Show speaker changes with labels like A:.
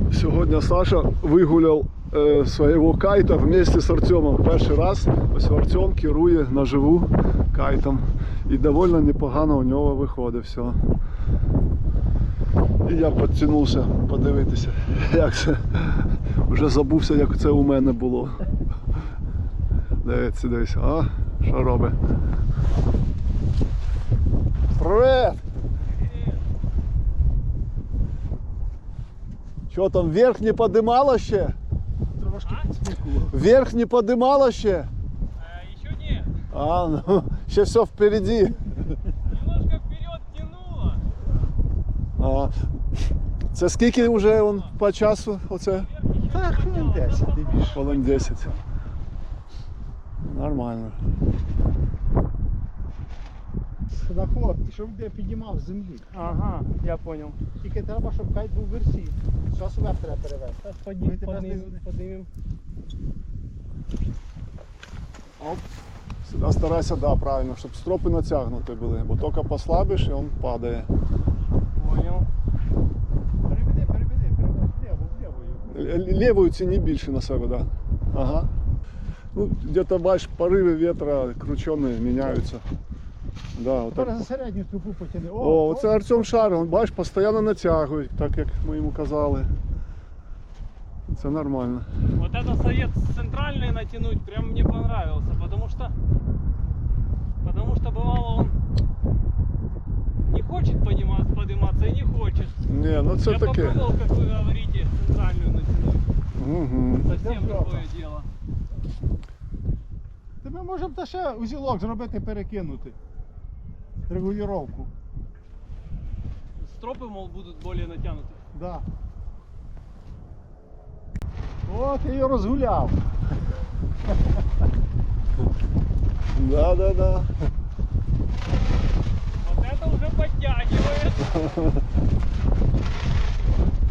A: Сегодня Саша выгулял своего кайта вместе с Артемом. Перший раз ось Артем керує наживу кайтом. І довольно непогано у нього виходить все. І я підтягнувся подивитися, як це. Вже забувся, як це у мене було. Дивіться, дивіться. А, що робить? Привет! Що там, вверх не подимало ще?
B: Трошки підсмикував.
A: Вверх не подимало ще?
C: Еще нет.
A: А, ну, ще все впереди.
C: Немножко вперед тянуло.
A: А, це скільки вже он по часу? Оце?
B: Так, хвилин 10, не більше.
A: Хвилин 10. Нормально.
B: Ходоход, щоб я піднімав з землі.
C: Ага, я понял.
B: Тільки треба, щоб кайт був в версі. Зараз вверх треба перевести. Ми тебе
C: Поднимем.
A: Оп. Сюди старайся, да, правильно, щоб стропи натягнуті були, бо тільки послабиш і він падає.
C: Понял.
B: Переведи вліво.
A: Лівою ціні більше на себе, да. Ага. Ну, где-то бачиш, пориви вітра кручені міняються. Да,
B: Тепер
A: отак.
B: за середню трубу потяни.
A: О, оце Артем шарив, он, бачиш, постійно натягує, так як ми йому казали. Це нормально.
C: Вот это совет центральный натянуть прям мне понравился, потому что бывало он не хочет подниматься и не хочет.
A: Ні, ну це
C: я
A: таке.
C: попробовал, как вы говорите, центральную натянуть.
A: Угу.
C: Совсем
B: Идём
C: другое
B: жопа.
C: дело.
B: Ми можемо та ще узілок зробити, перекинути. Регулювання.
C: Стропы, мол, будут более натянуты.
B: Да. О, ти її розгуляв.
A: Да, да, да.
C: Вот это уже подтягивает.